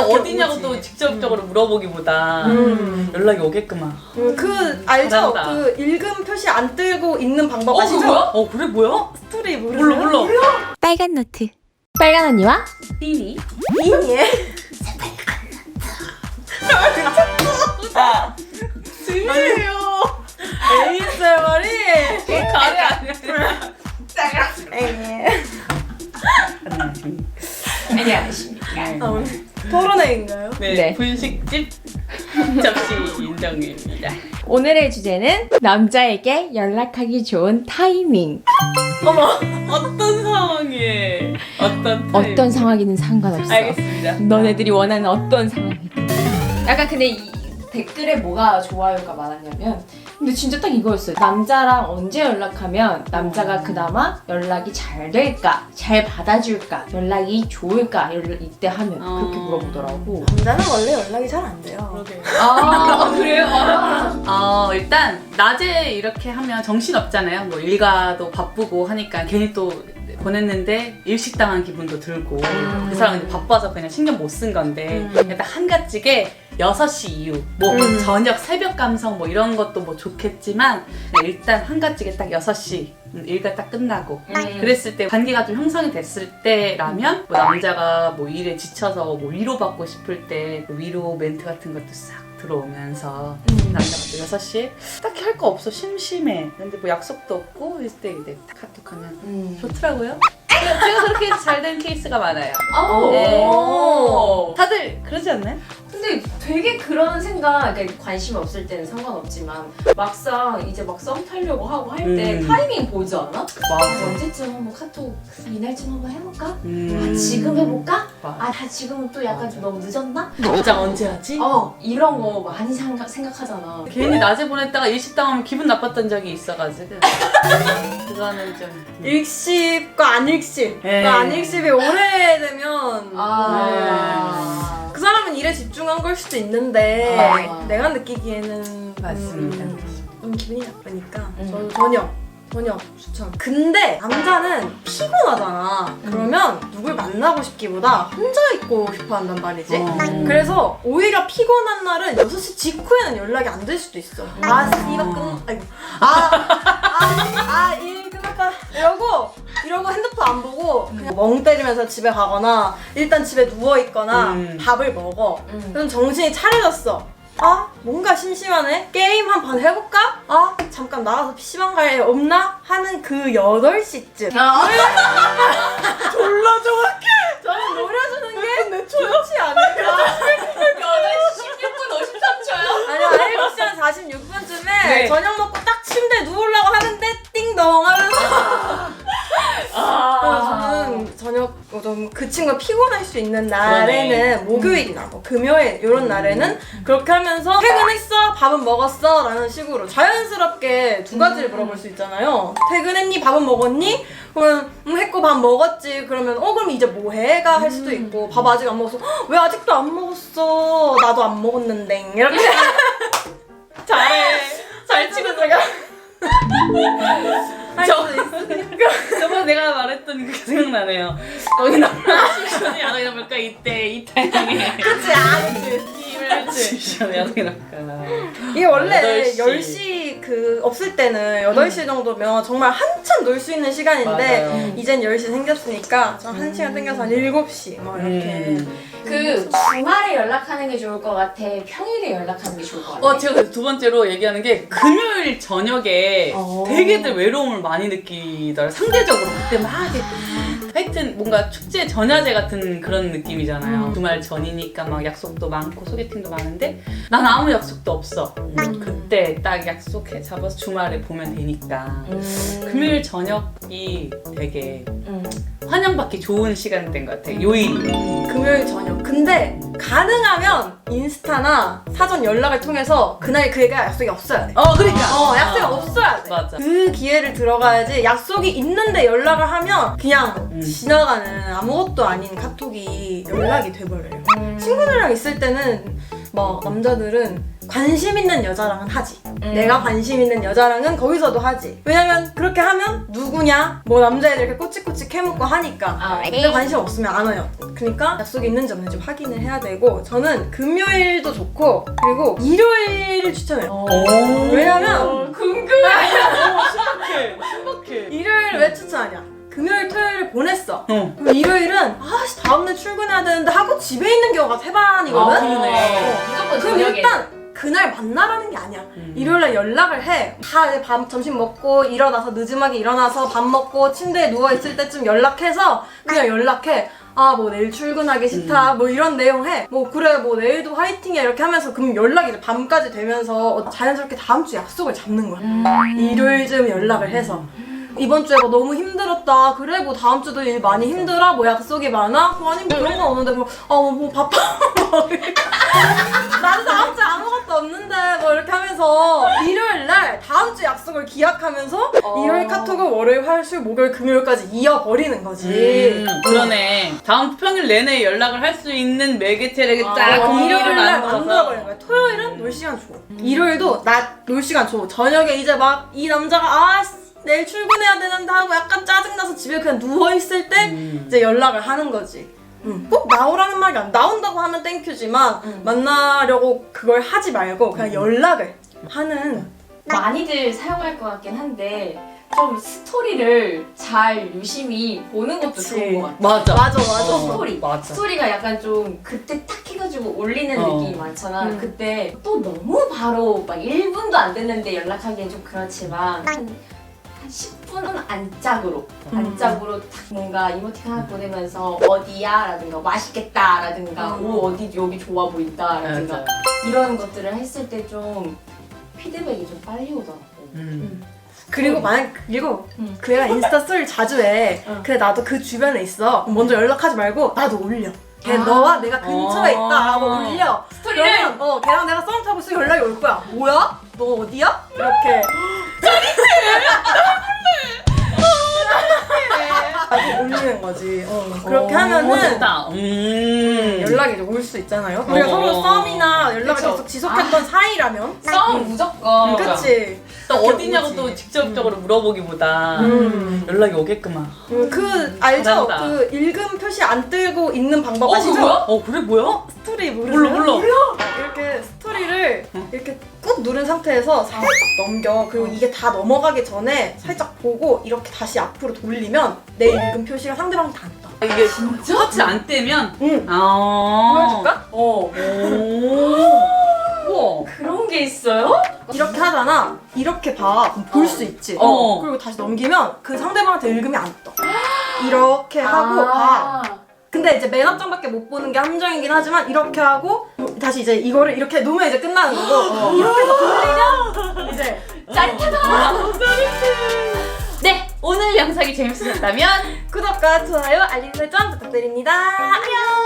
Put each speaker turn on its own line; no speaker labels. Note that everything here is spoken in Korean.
어디냐고 또 직접적으로 물어보기보다 연락이 오게끔만.
그 알죠?
잘한다.
그 읽음 표시 안 뜨고 읽는 방법 아시죠?
뭐야? 그래 뭐야?
스토리 모르세요?
몰라.
빨간 노트. 빨간 언니와
띠니?
이니에
진짜예요.
ASMR이
가래 아니야. 안녕하십니까.
토론회인가요?
네,
네.
분식집 접시 인정입니다.
오늘의 주제는 남자에게 연락하기 좋은 타이밍.
어머
어떤 상황에 어떤 타입?
어떤 상황이든 상관없어.
알겠습니다.
너네들이 원하는 어떤 상황이든. 약간 근데 이 댓글에 뭐가 좋아요가 많았냐면 근데 진짜 딱 이거였어요. 남자랑 언제 연락하면 남자가 그나마 연락이 잘 될까? 잘 받아줄까? 연락이 좋을까? 이때 하면 그렇게 물어보더라고.
남자는 원래 연락이 잘 안 돼요.
그러게.
아 그래요?
일단 낮에 이렇게 하면 정신 없잖아요. 뭐 일가도 바쁘고 하니까 괜히 또 보냈는데 일식당한 기분도 들고 그 사람은 바빠서 그냥 신경 못 쓴 건데 일단 한가지게 6시 이후 뭐 저녁 새벽 감성 뭐 이런 것도 뭐 좋겠지만 일단 한가지게 딱 6시 일가 딱 끝나고 그랬을 때 관계가 좀 형성이 됐을 때라면 뭐 남자가 뭐 일에 지쳐서 뭐 위로받고 싶을 때그 위로 멘트 같은 것도 싹 들어오면서 남자가 또 6시에 딱히 할 거 없어 심심해 근데 뭐 약속도 없고 이럴 때 이제 카톡하면 좋더라고요. 제가 그렇게 잘 된 케이스가 많아요. 네. 다들 그러지 않나요?
근데 되게 그런 생각, 그러니까 관심 없을 때는 상관없지만 막상 이제 막 썸 타려고 하고 할 때 타이밍 보지 않아?
맞아.
언제쯤 한번 카톡 이날쯤 한번 해볼까?
음.
지금 해볼까?
맞아.
지금은 또 약간 좀 너무 늦었나?
진짜 언제 하지?
이런 거 많이 생각하잖아.
괜히 낮에 보냈다가 일식당하면 기분 나빴던 적이 있어가지고 그거는 좀
일십과 안일십.
네.
그 안일십이 오래되면
아.
그 사람은 일에 집중한 걸 수도 있는데
아.
내가 느끼기에는
맞습니다.
기분이 나쁘니까 저는 저녁 추천. 근데 남자는 피곤하잖아. 그러면 누굴 만나고 싶기보다 혼자 있고 싶어 한단 말이지. 그래서 오히려 피곤한 날은 6시 직후에는 연락이 안 될 수도 있어. 일 끝났다. 이러고 핸드폰 안 보고 그냥 멍 때리면서 집에 가거나 일단 집에 누워 있거나 밥을 먹어. 그럼 정신이 차려졌어. 뭔가 심심하네? 게임 한 판 해볼까? 잠깐 나가서 PC방 갈 애 없나? 하는 그 8시쯤. 졸라 정확해! 저는 노려주는 게 좋지 않을까?
8시 16분 53초요?
아니요, 7시 한 46분쯤에
네.
저녁 먹고 딱 침대에 누우려고 하는데 띵동 하면서 저는 저녁 좀 그 친구가 피곤할 수 있는 날에는 목요일이나 뭐 금요일 이런 날에는 그렇게 하면서 퇴근했어? 밥은 먹었어? 라는 식으로 자연스럽게 두 가지를 물어볼 수 있잖아요. 퇴근했니? 밥은 먹었니? 그러면 했고 밥 먹었지. 그러면 그럼 이제 뭐해?가 할 수도 있고 밥 아직 안 먹었어. 왜 아직도 안 먹었어? 나도 안 먹었는데 이렇게 잘 치고 들어가.
저번에 내가 말했던 그 생각나네요. 너희 남편 시션이 야동이나 볼까? 이때 이 타이밍에
그치.
시션이 야동이나 볼까?
이게 원래
8시.
10시 그 없을 때는 8시 정도면 정말 한참 놀 수 있는 시간인데
맞아요.
이젠 10시 생겼으니까 좀 1시간 땡겨서 한 7시 뭐 이렇게
그 주말에 연락하는 게 좋을 것 같아? 평일에 연락하는 게 좋을 것 같아?
제가 그래서 두 번째로 얘기하는 게 금요일 저녁에 되게들 외로움을 많이 느끼더라고요. 상대적으로 그때 막 이렇게 하여튼 뭔가 축제 전야제 같은 그런 느낌이잖아요. 주말 전이니까 막 약속도 많고 소개팅도 많은데 난 아무 약속도 없어. 그때 딱 약속해 잡아서 주말에 보면 되니까 금요일 저녁이 되게 환영받기 좋은 시간대인 것 같아요. 요일이.
금요일 저녁. 근데 가능하면 인스타나 사전 연락을 통해서 그날 그 애가 약속이 없어야 돼.
그러니까.
약속이 없어야 돼.
맞아.
그 기회를 들어가야지. 약속이 있는데 연락을 하면 그냥 지나가는 아무것도 아닌 카톡이 연락이 돼버려요. 친구들이랑 있을 때는 막 남자들은 관심 있는 여자랑은 하지. 내가 관심 있는 여자랑은 거기서도 하지. 왜냐면 그렇게 하면 누구냐? 뭐 남자애들 이렇게 꼬치꼬치 캐묻고 하니까. 근데 관심 없으면 안 와요. 그러니까 약속이 있는지 없는지 확인을 해야 되고 저는 금요일도 좋고 그리고 일요일을 추천해요. 왜냐면
신박해.
일요일 왜 추천하냐? 금요일, 토요일을 보냈어. 그럼 일요일은 아씨 다음날 출근해야 되는데 하고 집에 있는 경우가 대반이거든.
그러네.
무조건
그럼
저녁에.
일단 그날 만나라는 게 아니야. 일요일날 연락을 해. 다 이제 점심 먹고 일어나서 늦음하게 일어나서 밥 먹고 침대에 누워 있을 때쯤 연락해서 그냥 연락해. 아 뭐 내일 출근하기 싫다 뭐 이런 내용 해. 뭐 그래 뭐 내일도 화이팅이야 이렇게 하면서 그럼 연락이 이제 밤까지 되면서 자연스럽게 다음 주 약속을 잡는 거야. 일요일쯤 연락을 해서. 이번 주에 뭐 너무 힘들었다. 그래 뭐 다음 주도 일 많이 힘들어? 뭐 약속이 많아? 아니 뭐 그런 건 없는데 뭐 바빠. 나도 다음 주에 아무것도 없는데 뭐 이렇게 하면서 일요일 날 다음 주 약속을 기약하면서 일요일 카톡을 월요일, 화요일, 목요일, 금요일까지 이어버리는 거지.
그러네. 다음 평일 내내 연락을 할 수 있는 매개체를 딱
일요일 날
만들어서.
만들어버리는 거야. 토요일은 놀 시간 줘. 일요일도 낮 놀 시간 줘. 저녁에 이제 막 이 남자가 내일 출근해야 되는데 하고 약간 짜증나서 집에 그냥 누워있을 때 이제 연락을 하는 거지. 꼭 나오라는 말이 안 나온다고 하면 땡큐지만 만나려고 그걸 하지 말고 그냥 연락을 하는.
많이들 사용할 것 같긴 한데 좀 스토리를 잘 유심히 보는 것도
그치.
좋은 것 같아.
맞아.
스토리.
맞아.
스토리가 약간 좀 그때 딱 해가지고 올리는 느낌이 많잖아.
음.
그때 또 너무 바로 막 1분도 안 됐는데 연락하기엔 좀 그렇지만 한 10분은 안짝으로 딱 뭔가 이모티콘 하나 보내면서 어디야? 라든가 맛있겠다 라든가 오 어디 여기 좋아 보인다 라든가
맞아.
이런 것들을 했을 때 좀 피드백이 좀 빨리 오더라고.
그리고 만약 그 애가 인스타 스토리를 자주 해. 그래 나도 그 주변에 있어. 먼저 연락하지 말고 나도 올려. 걔 너와 내가 근처에 있다라고 올려.
스토리를?
그러면 걔랑 내가 썸 타고 있으면 연락이 올 거야. 뭐야? 너 어디야? 이렇게. 올리는 거지. 그렇게 하면은
좋다.
연락이 이제 올 수 있잖아요. 우리가 서로 썸이나 연락을
그쵸.
계속 지속했던 사이라면.
썸 무조건.
그치.
또 어디냐고
오지.
또 직접적으로 물어보기보다 연락이 오게끔만.
알죠?
잘한다.
그 읽음 표시 안 뜨고 있는 방법 아시죠?
그거야? 그래 뭐야?
스토리 모르세요?
몰라.
이렇게 스토리를 이렇게 꾹 누른 상태에서 살짝 넘겨. 그리고 이게 다 넘어가기 전에 살짝 보고 이렇게 다시 앞으로 돌리면 내 읽음 표시가 상대방한테 안 떠.
이게 진짜 터치 안 떼면?
응.
보여줄까?
어.
우와.
그런 게 있어요?
이렇게 하잖아. 이렇게 봐. 볼 수 있지. 그리고 다시 넘기면 그 상대방한테 읽음이 안 떠. 이렇게 하고 봐. 근데 이제 맨 앞장밖에 못 보는 게 함정이긴 하지만 이렇게 하고 다시 이제 이거를 이렇게 놓으면 이제 끝나는 거고 이렇게 해서 돌리면 이제
짜릿하다.
네, 오늘 영상이 재밌으셨다면
구독과 좋아요, 알림 설정 부탁드립니다. 안녕!